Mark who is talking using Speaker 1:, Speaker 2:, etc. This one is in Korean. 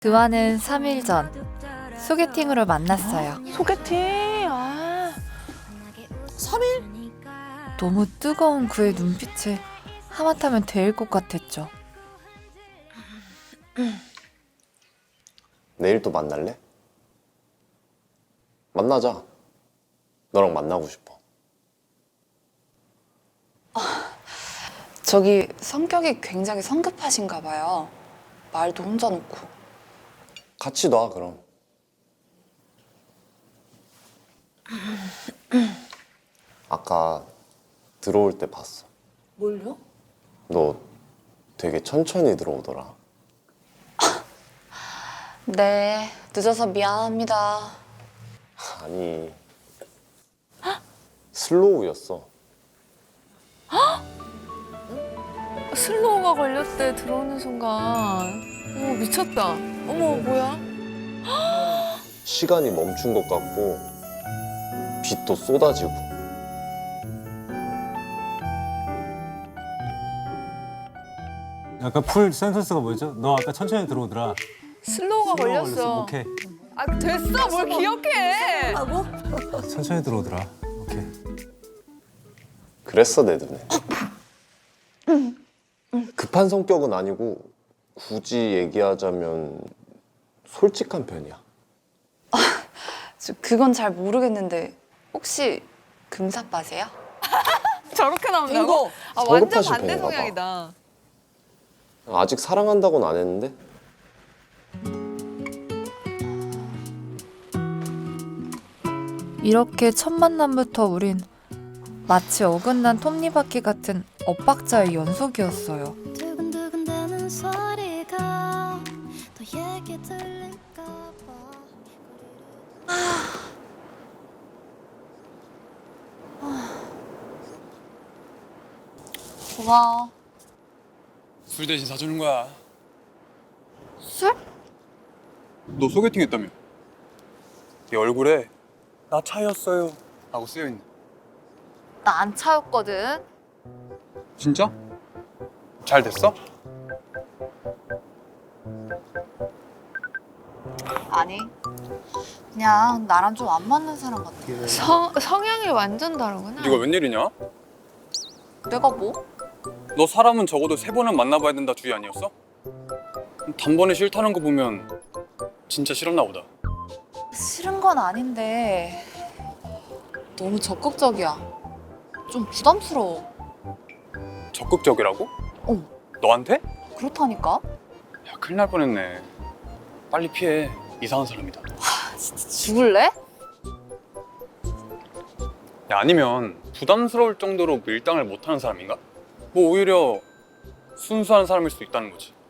Speaker 1: 그와는 3일 전 소개팅으로 만났어요.
Speaker 2: 소개팅? 3일?
Speaker 1: 너무 뜨거운 그의 눈빛에 하마터면 데일 것 같았죠.
Speaker 3: 내일 또 만날래? 만나자. 너랑 만나고 싶어.
Speaker 2: 저기 성격이 굉장히 성급하신가 봐요. 말도 혼자 놓고.
Speaker 3: 같이 놔, 그럼. 아까 들어올 때 봤어.
Speaker 2: 뭘요?
Speaker 3: 너 되게 천천히 들어오더라.
Speaker 2: 네, 늦어서 미안합니다.
Speaker 3: 아니, 슬로우였어.
Speaker 4: 슬로우가 걸렸대. 들어오는 순간. 어머, 미쳤다. 어머, 뭐야?
Speaker 3: 시간이 멈춘 것 같고 빛도 쏟아지고.
Speaker 5: 약간 풀 센텐스가 뭐였죠? 너 아까 천천히 들어오더라.
Speaker 4: 슬로우가 걸렸어.
Speaker 5: 오케이.
Speaker 4: 아, 됐어. 뭘 기억해.
Speaker 5: 천천히 들어오더라. 오케이.
Speaker 3: 그랬어, 내 눈에. 급한 성격은 아니고 굳이 얘기하자면 솔직한 편이야.
Speaker 2: 그건 잘 모르겠는데 혹시 금사빠세요?
Speaker 4: 저렇게 나온다고? 아, 완전
Speaker 3: 성급하신
Speaker 4: 반대
Speaker 3: 편인가 봐.
Speaker 4: 성향이다.
Speaker 3: 아직 사랑한다고는 안 했는데
Speaker 1: 이렇게 첫 만남부터 우린 마치 어긋난 톱니바퀴 같은 엇박자의 연속이었어요.
Speaker 6: 두근두근대는 소리가 또 얘기 들릴까 봐.
Speaker 2: 고마워.
Speaker 7: 술 대신 사주는 거야.
Speaker 2: 술?
Speaker 7: 너 소개팅 했다며? 네 얼굴에 나 차였어요 하고 쓰여있네.
Speaker 2: 나 안 차였거든.
Speaker 7: 진짜? 잘 됐어?
Speaker 2: 아니, 그냥 나랑 좀 안 맞는 사람 같아.
Speaker 4: 성향이 완전 다르구나.
Speaker 7: 네가 웬일이냐?
Speaker 2: 내가 뭐?
Speaker 7: 너 사람은 적어도 3번은 만나봐야 된다 주의 아니었어? 단번에 싫다는 거 보면 진짜 싫었나 보다.
Speaker 2: 싫은 건 아닌데 너무 적극적이야. 좀 부담스러워.
Speaker 7: 적극적이라고?
Speaker 2: 어.
Speaker 7: 너한테?
Speaker 2: 그렇다니까?
Speaker 7: 야, 큰일 날 뻔했네. 빨리 피해. 이상한 사람이다.
Speaker 2: 진짜 죽을래?
Speaker 7: 야, 아니면 부담스러울 정도로 밀당을 못하는 사람인가? 뭐 오히려 순수한 사람일 수도 있다는 거지.